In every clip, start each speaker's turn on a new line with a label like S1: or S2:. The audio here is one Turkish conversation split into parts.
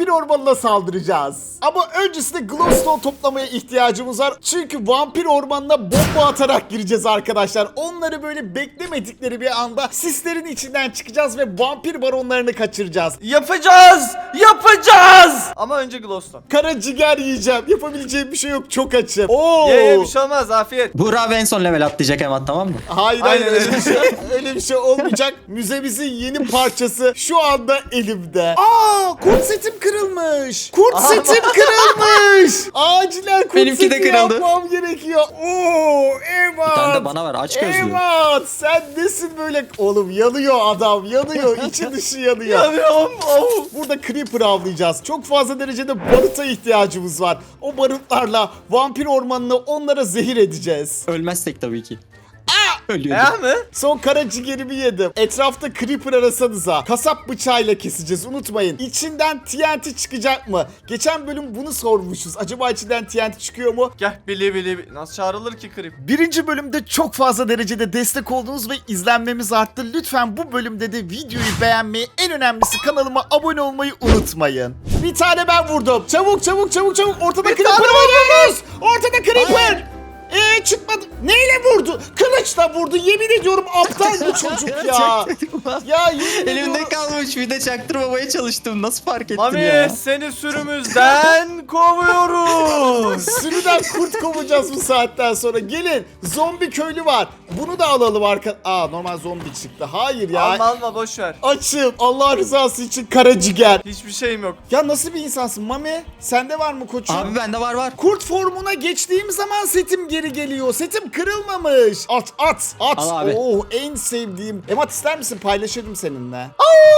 S1: vampir ormanına saldıracağız. Ama öncesinde glowstone toplamaya ihtiyacımız var. Çünkü vampir ormanına bomba atarak gireceğiz arkadaşlar. Onları böyle beklemedikleri bir anda sislerin içinden çıkacağız ve vampir baronlarını kaçıracağız.
S2: Yapacağız! Yapacağız! Ama önce glowstone.
S1: Kara ciğer yiyeceğim. Yapabileceğim bir şey yok. Çok açım. Oo.
S2: Ye bir şey olmaz, afiyet.
S3: Buğra abi en son level atlayacak hemen, tamam mı?
S1: Hayır
S2: Aynen
S1: öyle bir şey, öyle bir şey olmayacak. Müzemizin yeni parçası şu anda elimde. Aa, kurt setim kırılmış. Kurt
S2: Aha.
S1: setim kırılmış. Acilen kurt
S3: Benimki de
S1: seti
S3: kırıldı.
S1: yapmam gerekiyor. Oo, evet.
S3: Bir tane de bana ver, aç gözlü.
S1: Evet, sen nesin böyle? Oğlum yanıyor adam, yanıyor. İçi dışı yanıyor.
S2: Yanıyorum. Oh.
S1: Burada creeper avlayacağız. Çok fazla derecede baruta ihtiyacımız var. O barutlarla vampir ormanını onlara zehir edeceğiz.
S3: Ölmezsek tabii ki. Ölüyordu.
S2: Ya mı?
S1: Son kara ciğerimi yedim. Etrafta creeper arasanıza. Kasap bıçağıyla keseceğiz, unutmayın. İçinden TNT çıkacak mı? Geçen bölüm bunu sormuşuz. Acaba içinden TNT çıkıyor mu?
S2: Gel bili. Nasıl çağrılır ki creep?
S1: Birinci bölümde çok fazla derecede destek oldunuz ve izlenmemiz arttı. Lütfen bu bölümde de videoyu beğenmeyi, en önemlisi kanalıma abone olmayı unutmayın. Bir tane ben vurdum. Çabuk. Ortada creeper var. Ortada creeper. Çıkmadı. Neyle vurdu? Kılıçla vurdu. Yemin ediyorum aptal bu çocuk ya. Ya yemin
S3: Elimde
S1: ediyorum.
S3: kalmış, bir de çaktırmamaya çalıştım. Nasıl fark ettin
S2: Mami
S3: ya?
S2: seni sürümüzden kovuyoruz.
S1: Sürüden kurt kovacağız bu saatten sonra. Gelin. Zombi köylü var. Bunu da alalım normal zombi çıktı. Hayır ya.
S2: Alma boş ver.
S1: Açım. Allah rızası için kara ciğer.
S2: Hiçbir şeyim yok.
S1: Ya nasıl bir insansın Mami? Sende var mı koçum?
S3: Abi bende var.
S1: Kurt formuna geçtiğim zaman setim geri geliyor. Setim kırılmamış. At.
S3: Al abi.
S1: Oh, en sevdiğim. Emat ister misin? Paylaşırım seninle.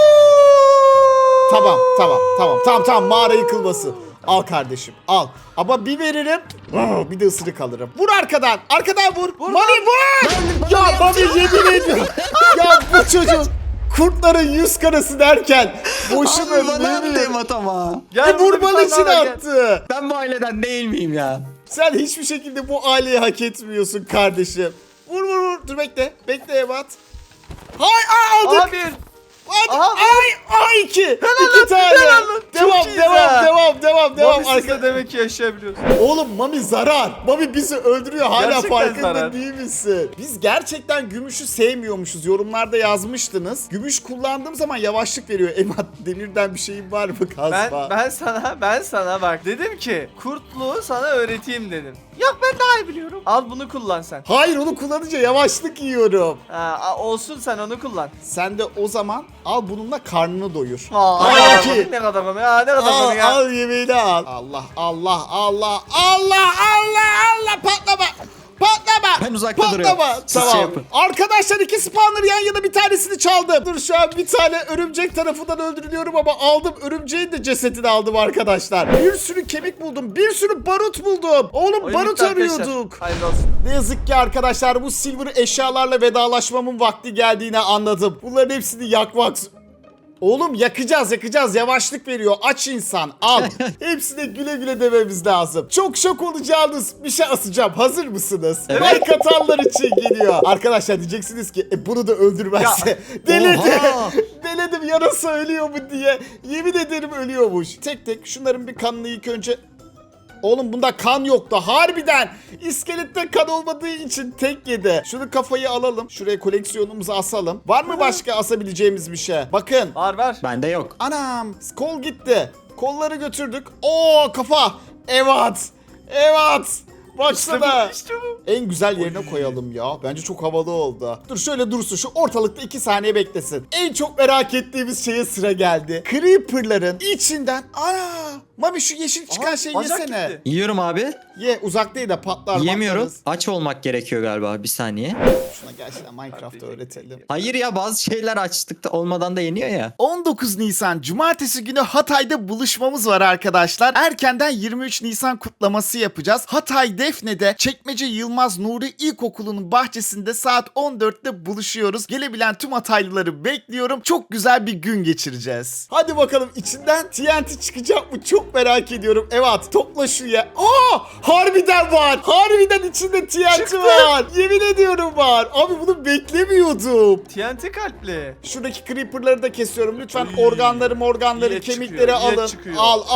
S1: Tamam. Mağara yıkılması. Al kardeşim, al. Ama bir veririm. Bir de ısırık alırım. Vur arkadan. Arkadan vur. Mami vur. Ya Mami yemin ediyorum. Ya bu çocuk kurtların yüz karası derken boşuna
S3: Abi bana attı
S1: ölmüyor.
S3: Emat ama.
S2: Gel burada bir
S1: Vurman
S2: tane
S1: için
S2: daha gel.
S1: attı.
S3: Ben bu aileden değil miyim ya?
S1: Sen hiçbir şekilde bu aileyi hak etmiyorsun kardeşim. Vur. Dur bekle. Bekle Evat. Aldık.
S2: Aha bir.
S1: Hadi.
S2: Aha,
S1: İki. İki
S2: lan,
S1: tane.
S2: helal lan. Çok iyiyiz ha.
S1: Devam.
S2: Mami siz de
S1: Arka...
S2: demek ki yaşayabiliyorsun.
S1: Oğlum Mami zarar. Mami bizi öldürüyor. Hala
S2: Gerçekten
S1: farkında
S2: zarar.
S1: değil misin? Biz gerçekten gümüşü sevmiyormuşuz. Yorumlarda yazmıştınız. Gümüş kullandığım zaman yavaşlık veriyor. Emat demirden bir şeyin var mı kazma?
S2: Ben sana bak dedim ki kurtluğu sana öğreteyim dedim. Yok ben daha iyi biliyorum. Al bunu kullan sen.
S1: Hayır, onu kullanınca yavaşlık yiyorum.
S2: Olsun sen onu kullan.
S1: Sen de o zaman al bununla karnını doyur.
S2: Aa, ne kadar komik ya, ne kadar komik ya.
S1: Al yemeğini al. Allah. Patlama.
S3: Ben uzakta duruyorum. Siz
S1: Tamam.
S3: şey yapın.
S1: Arkadaşlar, iki spawner yan yana, bir tanesini çaldım. Dur, şu an bir tane örümcek tarafından öldürülüyorum ama aldım. Örümceğin de cesedini aldım arkadaşlar. Bir sürü kemik buldum. Bir sürü barut buldum. Oğlum
S2: Oyun
S1: barut
S2: bitti arkadaşlar.
S1: arıyorduk.
S2: Hayırlı olsun.
S1: Ne yazık ki arkadaşlar, bu silver eşyalarla vedalaşmamın vakti geldiğini anladım. Bunların hepsini yakmak... Oğlum yakacağız. Yavaşlık veriyor. Aç insan. Al. Hepsine güle dememiz lazım. Çok şok olacağınız bir şey asacağım. Hazır mısınız?
S3: Evet.
S1: Like atanlar için geliyor. Arkadaşlar diyeceksiniz ki bunu da öldürmezse. Delirdi.
S3: Oha.
S1: Deledim, yarasa ölüyor mu diye. Yemin ederim ölüyormuş. Tek şunların bir kanını ilk önce... Oğlum bunda kan yoktu harbiden. İskelette kan olmadığı için tek yedi. Şunu kafayı alalım. Şuraya koleksiyonumuzu asalım. Var mı başka asabileceğimiz bir şey? Bakın.
S2: Var.
S3: Bende yok.
S1: Anam, kol gitti. Kolları götürdük. Oo, kafa. Evet. Baksana.
S2: İşte bu.
S1: En güzel yerine koyalım ya. Bence çok havalı oldu. Dur şöyle dursun. Şu ortalıkta 2 saniye beklesin. En çok merak ettiğimiz şeye sıra geldi. Creeper'ların içinden... Ana! Mami şu yeşil çıkan şeyi
S2: bacak
S1: yesene.
S2: gitti.
S3: Yiyorum abi.
S1: Ye, uzak değil de patlar.
S3: Yiyemiyorum.
S1: patlarız.
S3: Aç olmak gerekiyor galiba, bir saniye.
S1: Şuna gerçekten Minecraft'ta öğretelim.
S3: Hayır ya, bazı şeyler açlıkta olmadan da yeniyor ya.
S1: 19 Nisan Cumartesi günü Hatay'da buluşmamız var arkadaşlar. Erkenden 23 Nisan kutlaması yapacağız. Hatay'da Defne'de Çekmece Yılmaz Nuri İlkokulu'nun bahçesinde saat 14'te buluşuyoruz. Gelebilen tüm Hataylıları bekliyorum. Çok güzel bir gün geçireceğiz. Hadi bakalım, içinden TNT çıkacak mı? Çok merak ediyorum. Evet, topla şu ya. Harbiden var. Harbiden içinde TNT
S2: Çıktı.
S1: var. Yemin ediyorum var. Abi bunu beklemiyordum.
S2: TNT kalpli.
S1: Şuradaki creeper'ları da kesiyorum. Lütfen
S2: Oy.
S1: organları,
S2: İlet
S1: kemikleri
S2: çıkıyor, ilet
S1: alın.
S2: çıkıyor.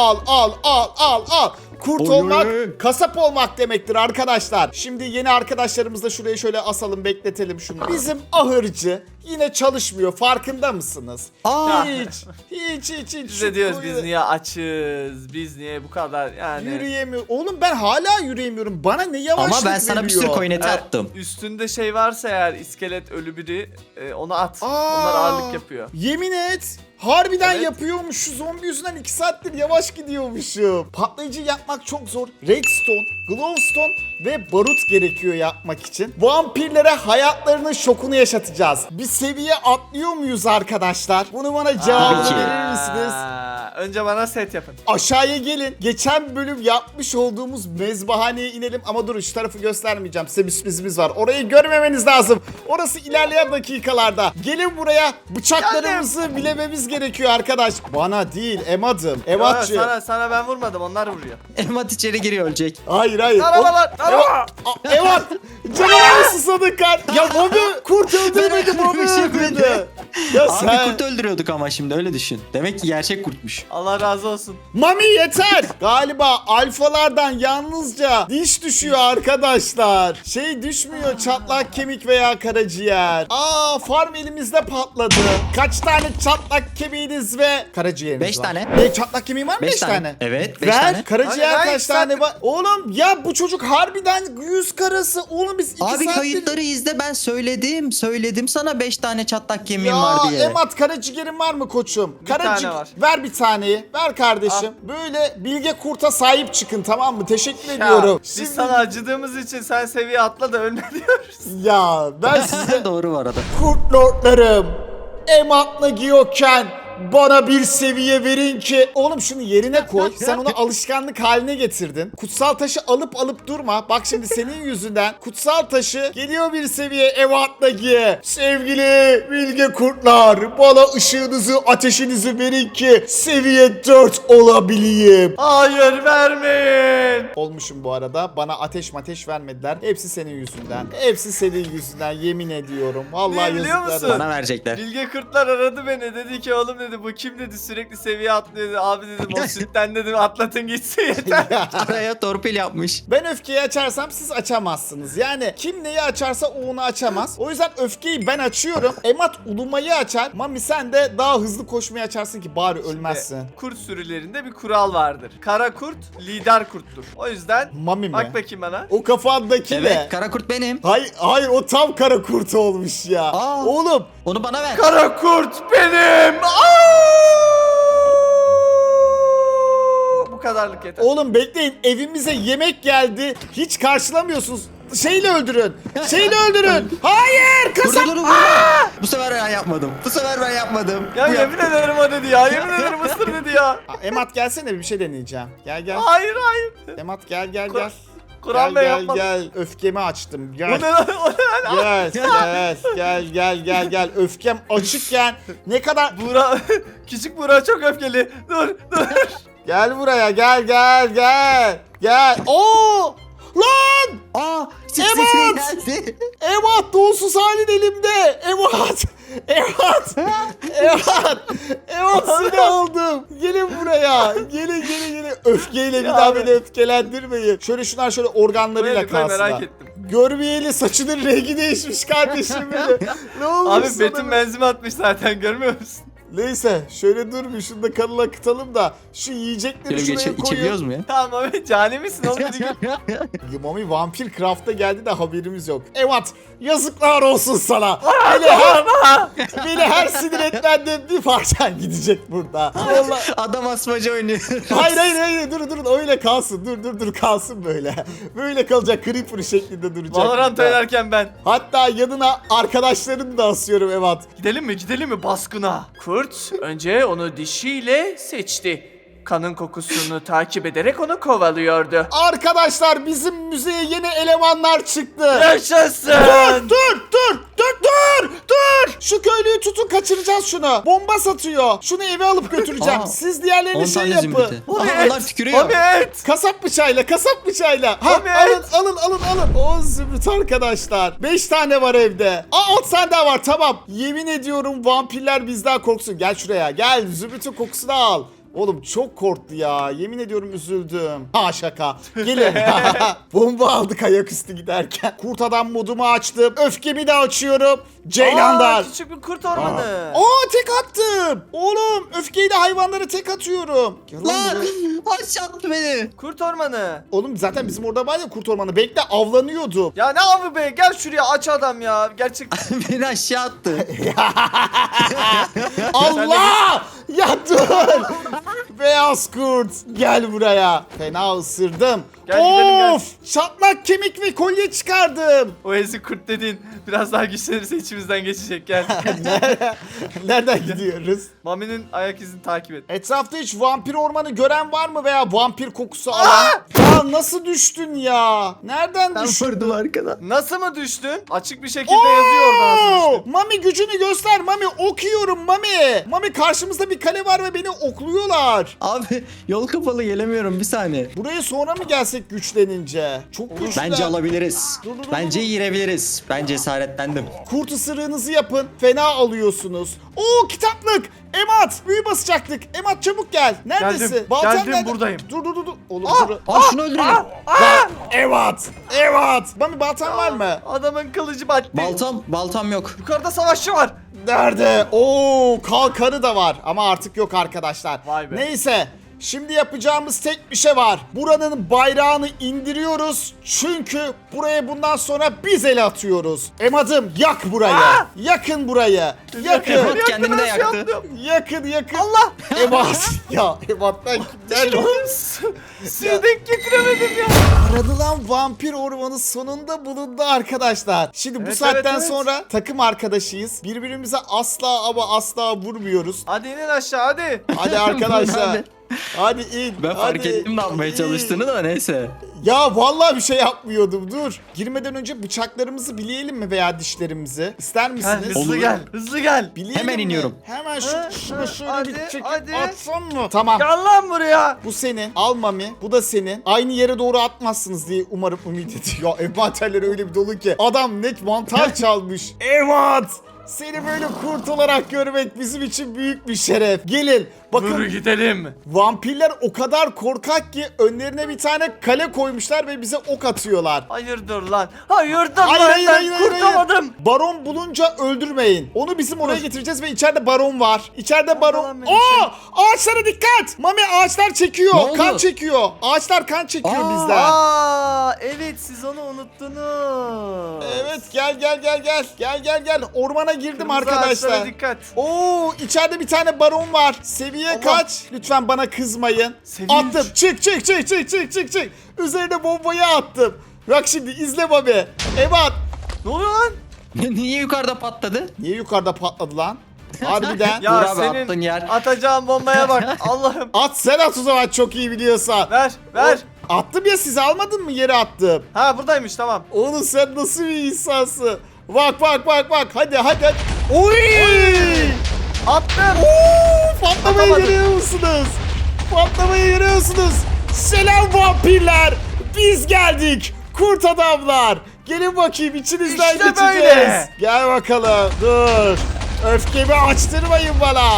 S1: Al. Kurt
S3: Oy,
S1: olmak,
S3: oy.
S1: kasap olmak demektir arkadaşlar. Şimdi yeni arkadaşlarımızı da şuraya şöyle asalım, bekletelim şunu. Bizim ahırcı yine çalışmıyor. Farkında mısınız?
S3: Aa,
S1: Hiç.
S2: Biz
S1: Şu
S2: de diyoruz
S1: koyu-
S2: biz niye açız? Biz niye bu kadar yani?
S1: Yürüyemiyor. Oğlum ben hala yürüyemiyorum. Bana ne yavaşlık
S3: ama ben sana bir sürü
S1: veriyor.
S3: coin eti
S2: Evet,
S3: attım.
S2: Üstünde şey varsa eğer iskelet ölü biri onu at.
S1: Aa,
S2: Onlar ağırlık yapıyor.
S1: Yemin et. Harbiden
S2: Evet.
S1: yapıyormuş. Şu zombi yüzünden 2 saattir yavaş gidiyormuşum. Patlayıcı yapmak çok zor. Redstone, glowstone ve barut gerekiyor yapmak için. Vampirlere hayatlarının şokunu yaşatacağız. Bir seviye atlıyor muyuz arkadaşlar? Bunu bana cevabını
S3: Tabii ki.
S1: verir misiniz?
S2: Önce bana set yapın.
S1: Aşağıya gelin. Geçen bölüm yapmış olduğumuz mezbahaneye inelim. Ama durun, şu tarafı göstermeyeceğim. Size bir sürprizimiz var. Orayı görmemeniz lazım. Orası ilerleyen dakikalarda. Gelin buraya. Bıçaklarımızı bilememiz gerekiyor arkadaş. Bana değil, Emad'ım. Emad'cığım.
S2: Sana ben vurmadım, onlar vuruyor.
S3: Emat içeri giriyor, ölecek.
S1: Hayır.
S2: Arabalar.
S1: Emad. Canına mı susadın kar? Ya Bobby kurt öldürmedi, Bobby öldürdü. Ya
S3: Abi
S1: sen...
S3: kurt öldürüyorduk ama şimdi öyle düşün. Demek ki gerçek kurtmuş.
S2: Allah razı olsun.
S1: Mami yeter. Galiba alfalardan yalnızca diş düşüyor arkadaşlar. Şey düşmüyor, çatlak kemik veya karaciğer. Farm elimizde patladı. Kaç tane çatlak kemiğiniz ve karaciğeriniz
S3: 5
S1: var?
S3: tane.
S1: Çatlak kemiğin var mı? 5
S3: 5
S1: tane.
S3: Evet 5
S1: Ver.
S3: tane.
S1: Karaciğer
S2: Hayır,
S1: kaç
S2: sen-
S1: tane var? Oğlum ya bu çocuk harbiden 100 karası. Oğlum biz 2
S3: Abi
S1: saattir...
S3: kayıtları izle, ben söyledim sana 5 tane çatlak kemiğim
S1: Ya
S3: var diye.
S1: Emat, karaciğerin var mı koçum?
S2: Bir tane var.
S1: Ver bir taneyi. Ver kardeşim. Böyle bilge kurta sahip çıkın, tamam mı? Teşekkür ediyorum.
S2: Biz sana acıdığımız için sen seviye atla da ölme diyoruz.
S1: Ya ben size
S3: Doğru var arada.
S1: kurt lordlarım, Emat'la giyoken bana bir seviye verin ki. Oğlum şunu yerine koy. Sen onu alışkanlık haline getirdin. Kutsal taşı alıp durma. Bak şimdi senin yüzünden kutsal taşı geliyor bir seviye Emat'la giye. Sevgili bilge kurtlar, bana ışığınızı, ateşinizi verin ki seviye 4 olabileyim.
S2: Hayır, vermeyin.
S1: Olmuşum bu arada. Bana ateş vermediler. Hepsi senin yüzünden. Hepsi senin yüzünden, yemin ediyorum. Vallahi
S2: Niye biliyor
S1: yazıklar
S2: musun?
S1: olsun.
S3: Bana verecekler.
S2: Bilge Kurtlar aradı beni, dedi ki oğlum dedi bu kim dedi, sürekli seviye atlıyor dedi. Abi dedim o sütten dedim atlatın gitsin yeter.
S3: Araya torpil yapmış.
S1: Ben öfkeyi açarsam siz açamazsınız. Yani kim neyi açarsa o onu açamaz. O yüzden öfkeyi ben açıyorum. Emat ulumayı açar. Mami sen de daha hızlı koşmayı açarsın ki bari ölmezsin.
S2: Kurt sürülerinde bir kural vardır. Kara kurt lider kurttur. O yüzden
S1: Mami mi?
S2: bak bakayım bana.
S1: O kafandaki
S3: Evet,
S1: ne?
S3: kara kurt benim.
S1: Hayır o tam kara kurt olmuş ya.
S3: Aa.
S1: Oğlum
S3: Onu bana ver.
S2: Kara kurt benim. Bu kadarlık yeter.
S1: Oğlum bekleyin, evimize yemek geldi. Hiç karşılamıyorsunuz. Şeyle öldürün. Hayır
S3: Dur
S1: kasap.
S3: dur dur vurma. Bu sefer ben yapmadım.
S2: Ya yemin ederim o dedi ya. Yemin ederim ısır dedi ya.
S1: Emat gelsene, bir şey deneyeceğim. Gel.
S2: Hayır hayır.
S1: Emat gel.
S2: Kur'an Bey yapmadı.
S1: Gel. Öfkemi açtım.
S2: O
S1: Gel.
S2: ne lan? O ne lan?
S1: Gel. Öfkem açıkken ne kadar...
S2: Buğra, küçük Buğra çok öfkeli. Dur.
S1: Gel buraya, gel. Oo! Lan!
S3: Aa,
S1: Evet.
S3: geldi.
S1: Emat, donsuz halin elimde. Emat seni aldım. Gelin buraya. Gelin. Öfkeyle bir
S2: Ya
S1: daha
S2: abi.
S1: beni öfkelendirmeyin. Şunlar şöyle organlarıyla
S2: Koy, merak
S1: kalsınlar.
S2: ettim.
S1: Görmeyeli saçının rengi değişmiş kardeşim benim. Ne olmuş
S2: Abi
S1: sana
S2: Betim
S1: be?
S2: benzimi atmış zaten, görmüyor musun?
S1: Neyse şöyle dur bir, şunu da kanına akıtalım da şu yiyecekleri
S3: Şöyle
S1: şuraya
S3: içebiliyoruz
S1: koyun.
S3: mu ya?
S2: Tamam abi, cani misin oğlum?
S1: Mami Vampir Craft'a geldi de haberimiz yok. Evet, yazıklar olsun sana. Beni her sinir etmenden bir parçan gidecek burada. Vallahi.
S3: Adam asmaca oynuyor.
S1: Hayır durun öyle kalsın. Dur kalsın böyle. Böyle kalacak, creeper şeklinde duracak.
S2: Valorant
S1: burada.
S2: oynarken ben.
S1: Hatta yanına arkadaşlarını da asıyorum Evet.
S2: Gidelim mi baskına? Kurt önce onu dişiyle seçti. kanın kokusunu takip ederek onu kovalıyordu.
S1: Arkadaşlar bizim müzeye yeni elemanlar çıktı.
S2: Yaşasın!
S1: Dur! Şu köylüyü tutun, kaçıracağız şunu. Bomba satıyor. Şunu eve alıp götüreceğim.
S3: Aa,
S1: Siz diğerlerini
S3: 10
S1: şey
S3: tane
S1: yapın.
S3: zümrütü.
S2: Mami
S3: Aha, onlar
S2: et!
S3: tükürüyor.
S2: Mami et!
S1: Kasap bıçağıyla. Ha,
S2: Mami
S1: alın. 10 zümrüt arkadaşlar. 5 tane var evde. 6 tane daha var, tamam. Yemin ediyorum vampirler bizden korksun. Gel şuraya, gel zümrütün kokusunu al. Oğlum çok korktu ya. Yemin ediyorum üzüldüm. Ha, şaka. Gelin. Bomba aldık ayaküstü giderken. Kurt adam modumu açtım. Öfkemi de açıyorum. Ceylandar.
S2: Küçük bir kurt ormanı.
S1: Tek attım. Oğlum öfkeyle hayvanlara tek atıyorum. Gel lan
S3: Lan
S1: buraya.
S3: aşağı attı beni.
S2: Kurt ormanı.
S1: Oğlum zaten bizim orada var ya kurt ormanı. Bekle, avlanıyordum.
S2: Ya ne avı be, gel şuraya aç adam ya. Gerçek.
S3: Beni aşağı attı.
S1: Allah! Ya dur! Beyaz kurt gel buraya. Fena ısırdım.
S2: Gel gidelim, gel.
S1: Of! Çatlak kemik ve kolye çıkardım.
S2: O ezik kurt dediğin biraz daha güçlenirse içimizden geçecek, gel.
S1: Nereden gidiyoruz?
S2: Mami'nin ayak izini takip et.
S1: Etrafta hiç vampir ormanı gören var mı veya vampir kokusu alan? Ya nasıl düştün ya? Nereden
S3: Ben
S1: düştün?
S3: vurdum arkadan.
S2: Nasıl mı düştün? Açık bir şekilde yazıyor orada nasıl düştün.
S1: Mami gücünü göster Mami, okuyorum Mami. Mami karşımızda bir kale var ve beni okluyorlar.
S3: Abi yol kapalı gelemiyorum, bir saniye.
S1: Buraya sonra mı gelsek güçlenince? Çok güçlüler.
S3: Bence alabiliriz.
S1: Dur.
S3: Bence girebiliriz. Ben cesaretlendim.
S1: Kurt ısırığınızı yapın. Fena alıyorsunuz. Oo, kitaplık. Emat, büyü basacaktık. Emat çabuk gel. Neredesin?
S2: Geldim,
S1: Baltan
S2: geldim,
S1: nerede?
S2: buradayım.
S1: Dur. Oğlum dur.
S3: Şunu öldürelim.
S1: Emat. Mami baltan var mı?
S2: Adamın kılıcı battı.
S3: Baltam yok.
S2: Yukarıda savaşçı var.
S1: Nerede? Oo, kalkanı da var ama artık yok arkadaşlar.
S2: Vay be.
S1: Neyse. Şimdi yapacağımız tek bir şey var. Buranın bayrağını indiriyoruz. Çünkü buraya bundan sonra biz el atıyoruz. Emadım yak burayı. Yakın burayı. Yakın.
S3: Emad kendini de yaktı.
S1: Yakın. Allah. Emat. Ya Emat'tan kimler?
S2: Sirdek getiremedim ya.
S1: Aradılan vampir ormanı sonunda bulundu arkadaşlar. Şimdi bu
S2: Evet,
S1: saatten
S2: evet.
S1: sonra takım arkadaşıyız. Birbirimize asla ama asla vurmuyoruz.
S2: Hadi inin aşağı hadi.
S1: Hadi arkadaşlar.
S3: Ben de-
S1: Hadi in.
S3: Ben fark
S1: hadi
S3: ettim ne yapmaya
S1: in.
S3: çalıştığını da, neyse.
S1: Ya vallahi bir şey yapmıyordum, dur. Girmeden önce bıçaklarımızı bileyelim mi veya dişlerimizi? İster
S2: Gel,
S1: misiniz?
S2: hızlı
S3: Olur.
S2: gel. Hızlı gel.
S1: Bileyelim
S3: Hemen
S1: mi?
S3: iniyorum.
S1: Hemen
S2: Ha,
S1: şunu şöyle
S2: hadi,
S1: bir çekip
S2: hadi.
S1: atsam mı? Tamam.
S2: Gel lan buraya.
S1: Bu senin. Al Mami. Bu da senin. Aynı yere doğru atmazsınız diye umarım ümit ediyor. Ya envanterler öyle bir dolu ki. Adam net mantar çalmış. Evet. Seni böyle kurt olarak görmek bizim için büyük bir şeref. Gelin.
S2: Yürü
S1: Bakın
S2: gidelim.
S1: vampirler o kadar korkak ki önlerine bir tane kale koymuşlar ve bize ok atıyorlar.
S2: Hayırdır lan. Hayırdır
S1: Hayır,
S2: lan. Ben kurtamadım.
S1: Baron bulunca öldürmeyin. Onu bizim oraya getireceğiz ve içeride baron var. İçeride baron.
S2: lan benim
S1: Oo! Ağaçlara dikkat. Mami ağaçlar çekiyor.
S3: Ne oldu?
S1: Kan çekiyor. Ağaçlar kan çekiyor
S3: Aa!
S1: bizden.
S2: Aa, evet siz onu unuttunuz.
S1: Evet gel. Ormana girdim
S2: Kırmızı
S1: arkadaşlar.
S2: ağaçlara dikkat.
S1: Oo, içeride bir tane baron var. Seviye
S2: Allah.
S1: kaç? Lütfen bana kızmayın.
S2: Seviye
S1: Attım. Çık. Üzerine bombayı attım. Bak şimdi izle Mami. Evet.
S2: Ne oluyor lan?
S3: Niye yukarıda patladı?
S1: Niye yukarıda patladı lan? Harbiden.
S2: Ya
S3: Dur abi,
S2: senin
S3: attığın yer.
S2: atacağın bombaya bak. Allah'ım.
S1: At sen at o zaman, çok iyi biliyorsan.
S2: Ver.
S1: Attım ya, siz almadın mı, yere attım.
S2: Ha buradaymış, tamam.
S1: Oğlum sen nasıl bir insansın? Bak. Hadi. Oy!
S2: Attım.
S1: Patlamayı
S2: Atamadım.
S1: görüyor musunuz? Selam vampirler. Biz geldik. Kurt adamlar. Gelin bakayım, içinizden
S2: İşte
S1: geçeceğiz.
S2: böyle.
S1: Gel bakalım. Dur. Öfkemi açtırmayın bana.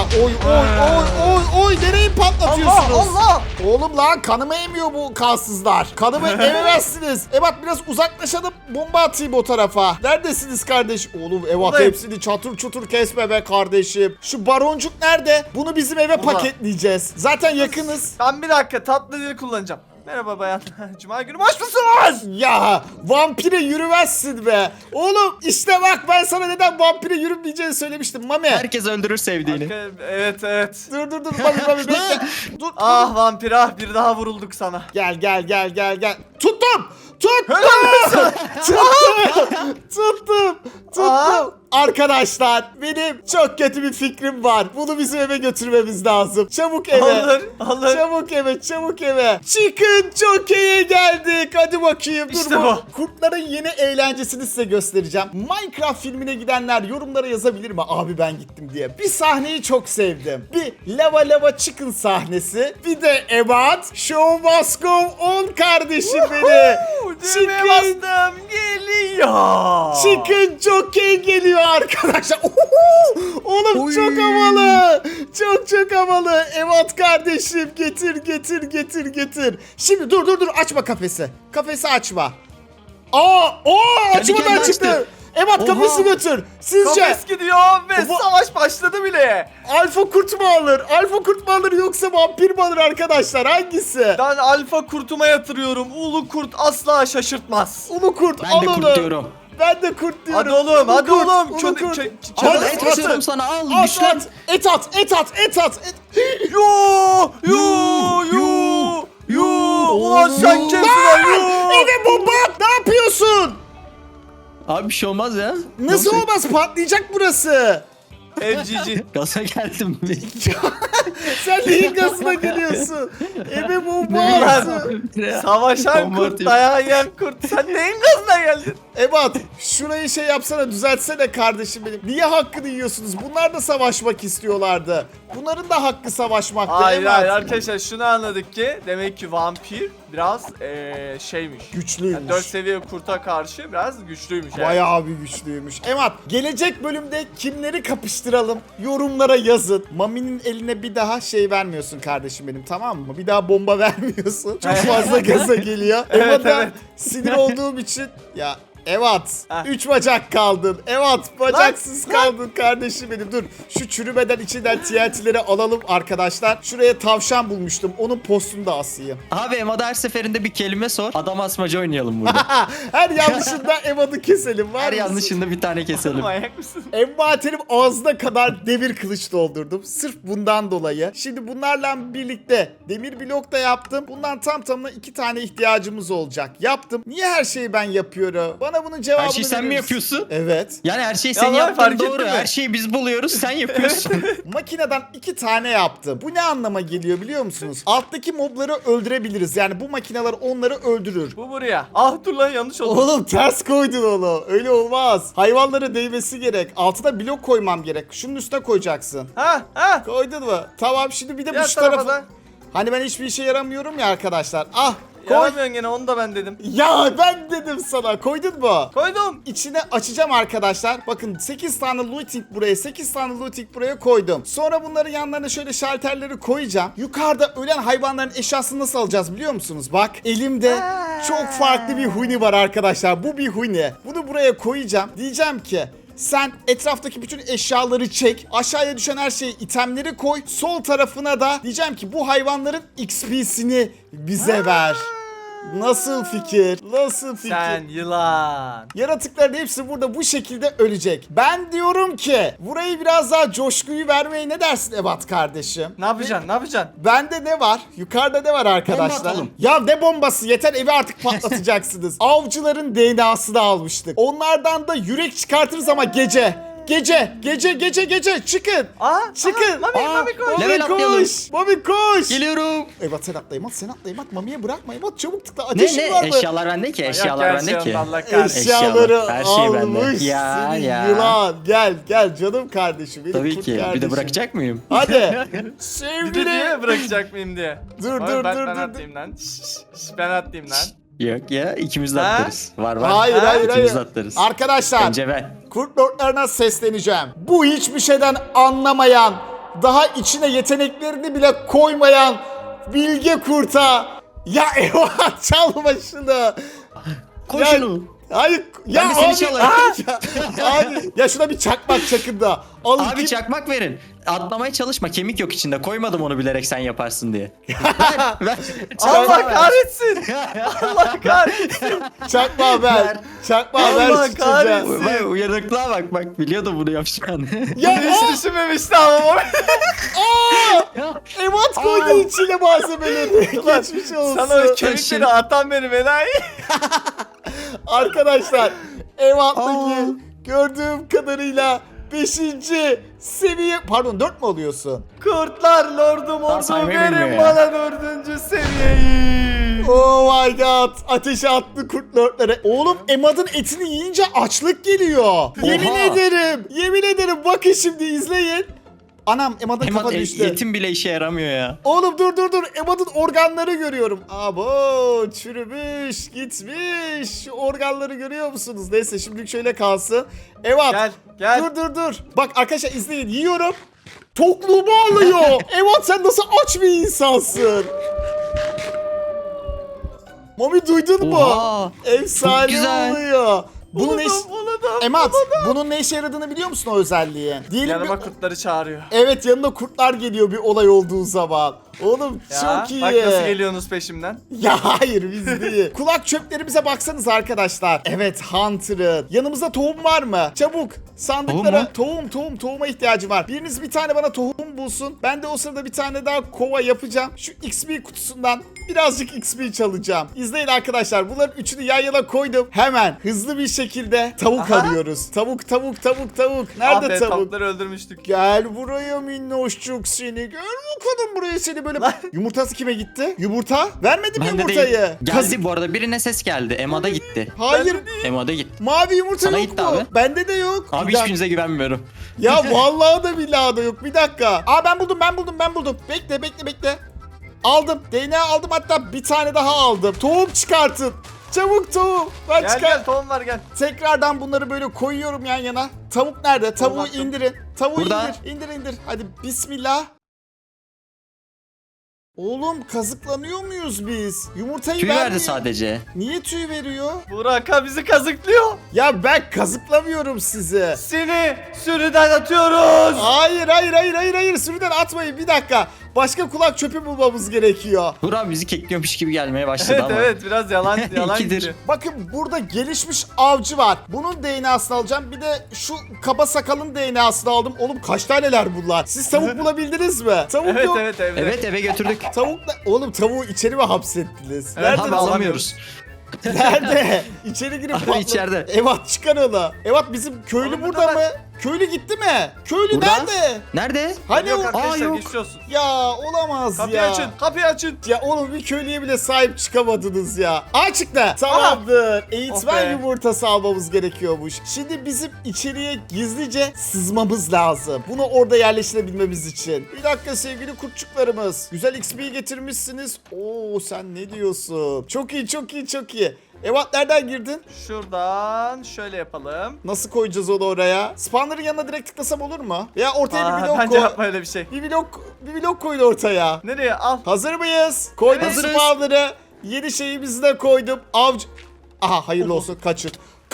S1: Oy. Nereyi patlatıyorsunuz?
S2: Allah.
S1: Oğlum lan, kanımı emiyor bu kansızlar. Kanımı ememezsiniz. Evat biraz uzaklaşalım, bomba atayım o tarafa. Neredesiniz kardeş? Oğlum Evat
S2: Buradayım.
S1: hepsini çatır çutur kesme be kardeşim. Şu baroncuk nerede? Bunu bizim eve
S2: Burada.
S1: paketleyeceğiz. Zaten yakınız.
S2: Ben bir dakika tatlı dil kullanacağım. Merhaba bayan. Cuma günü boş musunuz?
S1: Ya vampire yürümezsin be. Oğlum işte bak, ben sana neden vampire yürümeyeceğini söylemiştim Mami.
S3: Herkes öldürür sevdiğini.
S2: Evet.
S1: Dur Mami bekle. Dur.
S2: Ah vampir ah, bir daha vurulduk sana.
S1: Gel. Tuttum. Tuttum. Arkadaşlar benim çok kötü bir fikrim var. Bunu bizim eve götürmemiz lazım. Çabuk eve.
S2: Alır.
S1: Çabuk eve. Chicken Jockey'e geldik. Hadi bakayım. Dur
S2: İşte
S1: bu.
S2: bu.
S1: Kurtların yeni eğlencesini size göstereceğim. Minecraft filmine gidenler yorumlara yazabilir mi? Abi ben gittim diye. Bir sahneyi çok sevdim. Bir lava chicken sahnesi. Bir de Ebat Show must go on kardeşim beni.
S2: Düğmeye bastım. Geliyor.
S1: Chicken Jockey geliyor arkadaşlar. Oğlum
S3: Oy.
S1: çok havalı. Çok havalı. Evet kardeşim getir. Şimdi dur açma kafesi. Kafesi açma. Açmadan
S3: kendi
S1: çıktı.
S3: açtı.
S1: Evet
S3: Oha.
S1: kafesi götür. Sizce
S2: Kafes gidiyor ve
S1: Bu-
S2: savaş başladı bile.
S1: alfa kurt mu alır? Alfa kurt mu alır yoksa vampir mi alır arkadaşlar? Hangisi?
S2: Ben alfa kurtuma yatırıyorum. Ulu kurt asla şaşırtmaz.
S1: Ulu kurt
S3: Ben
S1: al
S3: de
S1: onu.
S3: kurt diyorum.
S1: Ben de kurt diyorum.
S2: Hadi oğlum,
S1: Ulu
S2: hadi
S1: kurt,
S2: oğlum.
S1: ulu kurt.
S3: Al
S1: Hadi,
S3: et
S1: hadi.
S3: atıyorum sana al.
S1: At
S3: Güçlen.
S1: at. Et at.
S2: Yo. Ulan sen kimsin lan yo.
S1: Eve bomba at. Ne yapıyorsun?
S3: Abi bir şey olmaz ya.
S1: Nasıl olmaz? Patlayacak burası.
S2: FGG.
S3: Gaza geldim.
S1: Sen neyin gazına geliyorsun? Eve bomba
S3: Ne?
S1: attı.
S2: Savaşan
S3: Bomba
S2: kurt,
S3: atayım.
S2: dayağı yiyen kurt. Sen neyin gazına geldin?
S1: Ebat şurayı şey yapsana düzeltsene kardeşim benim. Niye hakkını yiyorsunuz? Bunlar da savaşmak istiyorlardı. Bunların da hakkı savaşmaktı
S2: Hayır
S1: Ebat.
S2: arkadaşlar şunu anladık ki demek ki vampir biraz şeymiş.
S1: Güçlüymüş.
S2: Yani 4 seviye kurta karşı biraz güçlüymüş. yani.
S1: Bayağı bir güçlüymüş. Emat gelecek bölümde kimleri kapıştıralım? Yorumlara yazın. Mami'nin eline bir daha şey vermiyorsun kardeşim benim, tamam mı? Bir daha bomba vermiyorsun. Çok fazla gaza geliyor.
S2: Evet,
S1: Emat'a
S2: evet.
S1: sinir olduğum için ya Evet.
S2: Heh.
S1: 3 bacak kaldın. Evet. Bacaksız
S2: Lan.
S1: kaldın kardeşim benim. Dur. Şu çürümeden içinden TNT'leri alalım arkadaşlar. Şuraya tavşan bulmuştum. Onun postunu da asayım.
S3: Abi Emada her seferinde bir kelime sor. Adam asmaca oynayalım burada.
S1: Her yanlışında Emad'ı keselim. Var
S3: Her
S1: mısın?
S3: yanlışında bir tane keselim.
S2: Manyak mısın?
S1: Envaterim ağzına kadar demir kılıç doldurdum. Sırf bundan dolayı. Şimdi bunlarla birlikte demir blok da yaptım. Bundan tam tamına 2 tane ihtiyacımız olacak. Yaptım. Niye her şeyi ben yapıyorum? Bana bunun cevabını
S3: Her şeyi sen mi
S1: verir misin?
S3: yapıyorsun?
S1: Evet.
S3: Yani her şeyi
S2: Ya
S3: senin
S2: lan,
S3: yaptığın
S2: fark
S3: doğru.
S2: ettin mi?
S3: Her şeyi biz buluyoruz, sen yapıyorsun.
S1: Makineden 2 tane yaptım. Bu ne anlama geliyor biliyor musunuz? Alttaki mobları öldürebiliriz. Yani bu makineler onları öldürür.
S2: Bu buraya. Ah dur lan yanlış oldu.
S1: Oğlum ters koydun onu. Öyle olmaz. Hayvanlara değmesi gerek. Altına blok koymam gerek. Şunun üstüne koyacaksın.
S2: Ha.
S1: Koydun mu? Tamam, şimdi bir de bu
S2: Diğer
S1: şu
S2: tarafa
S1: tarafa.
S2: da.
S1: Hani ben hiçbir işe yaramıyorum ya arkadaşlar. Ah koy.
S2: Yaramıyorsun gene onu da ben dedim.
S1: Ya ben dedim sana. Koydun mu?
S2: Koydum.
S1: İçine açacağım arkadaşlar. Bakın 8 tane looting buraya, 8 tane looting buraya koydum. Sonra bunların yanlarına şöyle şalterleri koyacağım. Yukarıda ölen hayvanların eşyasını nasıl alacağız biliyor musunuz? Bak elimde çok farklı bir huni var arkadaşlar. Bu bir huni. Bunu buraya koyacağım. Diyeceğim ki sen etraftaki bütün eşyaları çek. Aşağıya düşen her şeyi, itemleri koy. Sol tarafına da diyeceğim ki bu hayvanların XP'sini bize ver. Nasıl fikir? Nasıl fikir?
S2: Sen yılan.
S1: Yaratıkların hepsi burada bu şekilde ölecek. Ben diyorum ki burayı biraz daha coşkuyu vermeye ne dersin Ebat kardeşim?
S2: Ne yapacaksın? Ne yapacaksın?
S1: Bende ne var? Yukarıda ne var arkadaşlar?
S3: Bomba atalım.
S1: Ya ne bombası? Yeter, evi artık patlatacaksınız. Avcıların DNA'sını almıştık. Onlardan da yürek çıkartırız ama gece. Gece çıkın. Çıkın.
S2: Mami koy.
S3: Level atlayalım.
S1: koş. Mami koş.
S3: Geliyorum.
S1: Ebat sen atla Ebat, sen atla Ebat. Mami'ye bırakma Ebat, çabuk tıkla.
S3: Ne
S1: Ateşin var
S3: ne?
S1: mı?
S3: Eşyalar bende ki. Eşyalar bende ki.
S2: Allah kahretsin.
S1: Eşyaları
S3: Eşyalar, her şey bende.
S1: almış
S3: Ya,
S1: seni
S3: ya.
S1: yılan. Gel canım kardeşim. Benim
S3: Tabii
S1: kurt
S3: ki. Bir
S1: kardeşim.
S3: de bırakacak mıyım?
S1: Hadi.
S2: Bir de
S1: Sevgili.
S2: diye bırakacak mıyım diye.
S1: Dur,
S2: Oğlum,
S1: dur,
S2: ben
S1: dur.
S2: atlayayım lan. Ben atlayayım lan.
S3: Yok ya, ikimiz de
S2: Ha?
S3: atlarız. Var.
S1: Hayır
S2: Ha?
S1: hayır
S3: İkimiz de
S1: hayır.
S3: atlarız.
S1: Arkadaşlar
S3: Önce ben.
S1: kurt lordlarına sesleneceğim. Bu hiçbir şeyden anlamayan, daha içine yeteneklerini bile koymayan bilge kurta. Ya eyvah, çalma şunu.
S3: Koy
S1: Ya-
S3: şunu.
S1: Hayır ya
S3: Ben de seni
S1: abi.
S3: çalarım.
S1: Abi ya şuna bir çakmak çakın da. Alın
S3: Abi
S1: kim-
S3: çakmak verin. Atlamaya çalışma. Kemik yok içinde. Koymadım onu bilerek sen yaparsın diye. ver.
S2: Allah kahretsin. Allah kahretsin.
S1: Çakma ver.
S3: Ver.
S1: Çakma
S2: Allah
S1: ver şu çocuğa.
S2: kahretsin.
S3: Vay uyanıklığa bak biliyordum bunu yapacağını.
S1: Ya
S2: Bunu hiç düşünmemişti ama.
S1: Emat koydu içine malzemeleri. Geçmiş olsun.
S2: Sana o kemikleri atan benim enayi.
S1: Arkadaşlar Evat'taki gördüğüm kadarıyla 5. seviye, pardon 4 mü oluyorsun?
S2: Kurtlar lordum oldu,
S3: saymayı
S2: verin
S3: bilmiyor ya.
S2: bana 4. seviyeyi.
S1: Oh my god, ateşe attı kurt lordları. Oğlum Emad'ın etini yiyince açlık geliyor. Yemin ederim, yemin ederim, bakın şimdi izleyin. Anam Emad'ın kafa düştü.
S3: Yetim bile işe yaramıyor ya.
S1: Oğlum dur, Emad'ın organları görüyorum. Abo çürümüş gitmiş. Şu organları görüyor musunuz? Neyse şimdilik şöyle kalsın. Evat
S2: Gel.
S1: dur. Bak arkadaşlar izleyin, yiyorum. Tokluğumu alıyor. Evat sen nasıl aç bir insansın? Mami duydun mu?
S3: Oha,
S1: Efsane
S3: çok güzel.
S1: oluyor. Bunun
S2: Buldum.
S1: Emat, bunun ne işe yaradığını biliyor musun o özelliği? Diyelim
S2: Yanıma
S1: bir...
S2: kurtları çağırıyor.
S1: Evet, yanına kurtlar geliyor bir olay olduğu zaman. Oğlum
S2: Ya,
S1: çok iyi.
S2: bak nasıl geliyorsunuz peşimden.
S1: Ya hayır biz değil. Kulak çöplerimize baksanız arkadaşlar. Evet Hunter'ın. Yanımızda tohum var mı? Çabuk sandıklara tohuma ihtiyacı var. Biriniz bir tane bana tohum bulsun. Ben de o sırada bir tane daha kova yapacağım. Şu XP kutusundan birazcık XP çalacağım. İzleyin arkadaşlar. Bunların üçünü yan yana koydum. Hemen hızlı bir şekilde tavuk
S2: Aha.
S1: arıyoruz. Tavuk. Nerede
S2: Aferin,
S1: tavuk?
S2: tavukları öldürmüştük.
S1: Gel buraya minnoşçuk seni. Gel bakalım buraya seni böyle. Yumurtası kime gitti? Yumurta? Vermedim
S3: Bende
S1: yumurtayı.
S3: değil.
S1: Kaz-
S3: Geldi bu arada, birine ses geldi. Ema'da gitti.
S1: Hayır.
S3: Ema'da gitti.
S1: Mavi yumurta
S3: Sana
S1: yok
S3: gitti
S1: mu?
S3: abi.
S1: Bende de yok.
S3: Abi
S1: Bir dakika.
S3: hiçbirinize güvenmiyorum.
S1: Ya vallahi da billahi da yok. Bir dakika. Aa ben buldum. Bekle. Aldım. DNA aldım, hatta bir tane daha aldım. Tohum çıkartın. Çabuk tohum. Ben
S2: Gel tohum var gel.
S1: Tekrardan bunları böyle koyuyorum yan yana. Tavuk nerede? Tavuğu
S2: attım.
S1: indirin. Tavuğu
S3: Burada.
S1: indir. Hadi bismillah. Oğlum kazıklanıyor muyuz biz? Yumurtayı
S3: Tüy verdi
S1: vermiyor.
S3: sadece.
S1: Niye tüy veriyor?
S2: Burak'a bizi kazıklıyor.
S1: Ya ben kazıklamıyorum sizi.
S2: Seni sürüden atıyoruz.
S1: Hayır. Sürüden atmayın, bir dakika. Başka kulak çöpü bulmamız gerekiyor.
S3: Burak bizi kekliyormuş gibi gelmeye başladı ama.
S2: Evet biraz yalan
S3: İkidir.
S2: gidiyor.
S1: Bakın burada gelişmiş avcı var. Bunun DNA'sını alacağım. Bir de şu kaba sakalın DNA'sını aldım. Oğlum kaç taneler bunlar? Siz tavuk bulabildiniz mi? Tavuk yok.
S2: Evet.
S3: Evet, eve götürdük.
S1: Oğlum tavuğu içeri mi hapsettiniz?
S2: Evet,
S1: Nerede?
S3: Abi alamıyoruz.
S1: Nerede? İçeri girip
S3: Abi
S1: patla-
S3: içeride.
S1: Evat çıkar onu. Evat bizim köylü
S2: Oğlum
S1: burada
S2: burada
S1: mı? Köylü gitti mi? Köylü
S3: Burada.
S1: nerede?
S3: Nerede?
S1: Hani
S2: Yok
S1: o...
S2: arkadaşlar
S3: yok.
S2: geçmiş olsun.
S1: Ya olamaz
S2: Kapıyı
S1: ya.
S2: kapıyı açın.
S1: Ya oğlum bir köylüye bile sahip çıkamadınız ya. Çıktı. Tamamdır.
S2: Oh
S1: Eğitmen
S2: be.
S1: yumurtası almamız gerekiyormuş. Şimdi bizim içeriye gizlice sızmamız lazım. Bunu orada yerleştirebilmemiz için. Bir dakika sevgili kurtçuklarımız. Güzel XP getirmişsiniz. Oo sen ne diyorsun? Çok iyi. Evat nereden girdin?
S2: Şuradan şöyle yapalım.
S1: Nasıl koyacağız onu oraya? Spawner'ın yanına direkt tıklasam olur mu? Veya ortaya bir blok
S2: Bence
S1: koy.
S2: yapma öyle bir şey.
S1: Bir blok koyun ortaya.
S2: Nereye al.
S1: Hazır mıyız? Koydum
S3: Evet, hazırız.
S1: spawner'ı. Yeni şeyimizi de koydum. Avcı... Aha hayırlı olsun, kaçın.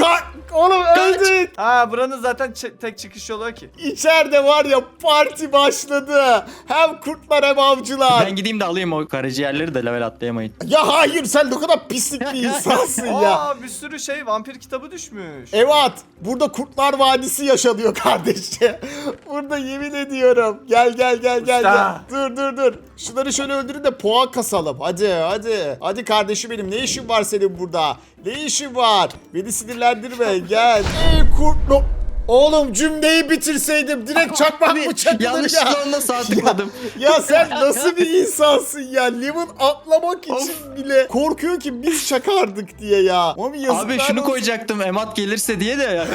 S1: Oğlum öldük.
S2: Buranın zaten tek çıkış yolu o ki.
S1: İçeride var ya parti başladı. Hem kurtlar hem avcılar.
S3: Ben gideyim de alayım o karaciğerleri de level atlayamayın.
S1: Ya hayır, sen ne kadar pislik bir insansın ya.
S2: Bir sürü vampir kitabı düşmüş.
S1: Evet, burada Kurtlar Vadisi yaşanıyor kardeşim. Burada yemin ediyorum. Gel.
S2: Usta.
S1: Dur. Şunları şöyle öldürün de puan kasalım. Hadi. Hadi kardeşim benim, ne işin var senin burada? Ne işin var? Beni sinirlendirme, gel. Ey kurtlu... Oğlum cümleyi bitirseydim, direkt çakmak mı çakılır ya?
S3: Yanlışlıkla onunla sağ tıkladım.
S1: Ya sen nasıl bir insansın ya? Lemon atlamak için bile korkuyor ki biz çakardık diye ya. Mami yazıklar
S3: Abi şunu
S1: olsun.
S3: koyacaktım Emat gelirse diye de ya.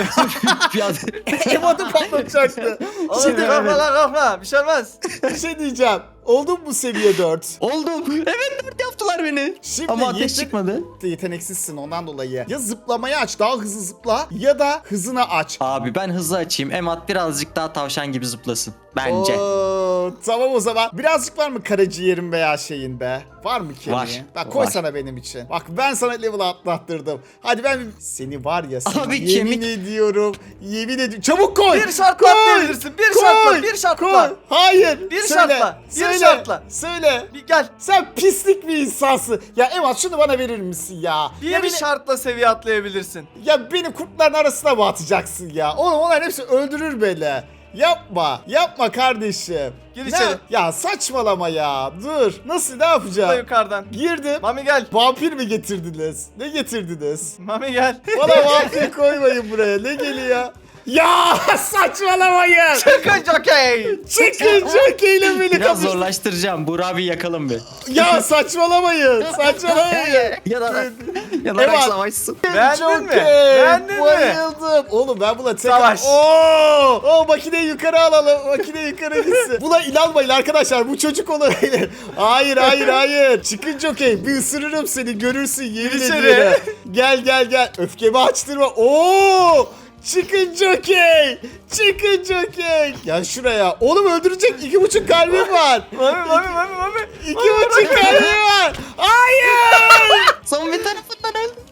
S1: Emad'ı patlatacaktı.
S2: Oğlum
S1: Şimdi
S2: korkma. Bir şey olmaz.
S1: bir şey diyeceğim. Oldun mu seviye 4?
S3: Oldum. Evet, 4 yaptılar beni.
S1: Şimdi
S3: Ama ateş çıkmadı.
S1: Yeteneksizsin ondan dolayı. Ya zıplamayı aç, daha hızlı zıpla, ya da hızını aç.
S3: Abi ben hızlı açayım. Emat birazcık daha tavşan gibi zıplasın. Bence.
S1: Oo, tamam o zaman. Birazcık var mı karaciğerin veya şeyin be? Var mı kemiği?
S3: Var,
S1: Bak koy
S3: var.
S1: sana benim için. Bak ben sana level atlattırdım. Hadi seni var ya, seni
S3: Abi
S1: yemin ediyorum. Çabuk koy.
S2: Bir şartla atlayabilirsin. Bir şartla.
S1: Koy. Hayır.
S2: Bir
S1: Söyle,
S2: şartla, bir
S1: söyle,
S2: şartla.
S1: Söyle.
S2: Bir gel.
S1: Sen pislik bir insansın. Ya Evat şunu bana verir misin ya? Ya
S2: Bir şartla seviye atlayabilirsin.
S1: Ya beni kurtların arasına mı atacaksın ya? Oğlum onlar hepsi öldürür beni. Yapma. Yapma kardeşim.
S2: Gir
S1: Ne?
S2: içeri.
S1: Ya saçmalama ya. Dur. Nasıl ne
S2: Da
S1: yapacağım?
S2: yukarıdan.
S1: Girdim.
S2: Mami gel.
S1: Vampir mi getirdiniz? Ne getirdiniz?
S2: Mami gel.
S1: Bana vampir koymayın buraya. Ne geliyor? Ya saçmalamayın.
S2: Çıkın jokey.
S1: Çıkın jokeyle beni
S3: Biraz
S1: kapıştır.
S3: zorlaştıracağım. Burak abi yakalım bir.
S1: Ya saçmalamayın. Saçmalamayın.
S3: Yanarak
S1: Evan.
S3: savaşsın.
S2: Beğendin mi?
S1: Jockey,
S2: Beğendin mi?
S1: Bayıldım. Oğlum ben buna tekrar...
S2: Savaş.
S1: Oo, makineyi yukarı alalım. Makine yukarı gitsin. Buna inanmayın arkadaşlar. Bu çocuk olabilir. Hayır hayır hayır. Çıkın Jockey. Bir ısırırım seni. Görürsün yemin
S2: İçeri.
S1: ediyorum. Gel gel gel. Öfkemi açtırma. Oo! Çıkın Jockey. Çıkın Jockey. Gel şuraya. Oğlum öldürecek. 2,5 kalbim var.
S2: Mami.
S1: 2,5 kalbim var.